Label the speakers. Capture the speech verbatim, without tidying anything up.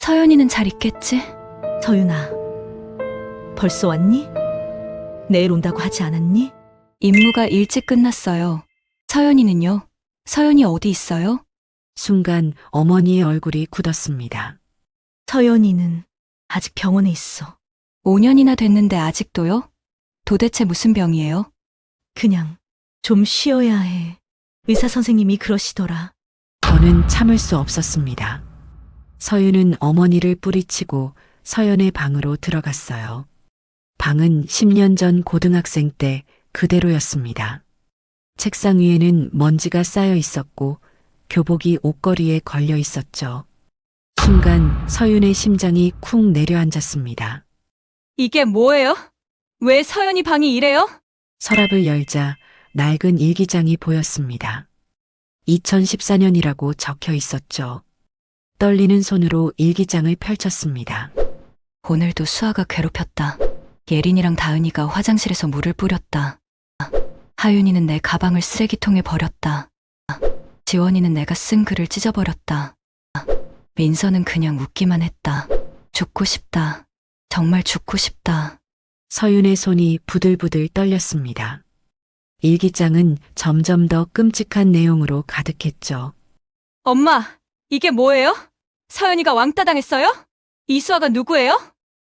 Speaker 1: 서연이는 잘 있겠지?
Speaker 2: 서윤아, 벌써 왔니? 내일 온다고 하지 않았니?
Speaker 1: 임무가 일찍 끝났어요. 서연이는요? 서연이 어디 있어요?
Speaker 3: 순간 어머니의 얼굴이 굳었습니다.
Speaker 2: 서연이는 아직 병원에 있어.
Speaker 1: 오 년이나 됐는데 아직도요? 도대체 무슨 병이에요?
Speaker 2: 그냥 좀 쉬어야 해. 의사 선생님이 그러시더라.
Speaker 3: 저는 참을 수 없었습니다. 서윤은 어머니를 뿌리치고 서연의 방으로 들어갔어요. 방은 십 년 전 고등학생 때 그대로였습니다. 책상 위에는 먼지가 쌓여 있었고 교복이 옷걸이에 걸려 있었죠. 순간 서윤의 심장이 쿵 내려앉았습니다.
Speaker 1: 이게 뭐예요? 왜 서연이 방이 이래요?
Speaker 3: 서랍을 열자 낡은 일기장이 보였습니다. 이천십사 년이라고 적혀 있었죠. 떨리는 손으로 일기장을 펼쳤습니다.
Speaker 1: 오늘도 수아가 괴롭혔다. 예린이랑 다은이가 화장실에서 물을 뿌렸다. 하윤이는 내 가방을 쓰레기통에 버렸다. 지원이는 내가 쓴 글을 찢어버렸다. 민서는 그냥 웃기만 했다. 죽고 싶다. 정말 죽고 싶다.
Speaker 3: 서윤의 손이 부들부들 떨렸습니다. 일기장은 점점 더 끔찍한 내용으로 가득했죠.
Speaker 1: 엄마, 이게 뭐예요? 서연이가 왕따 당했어요? 이수아가 누구예요?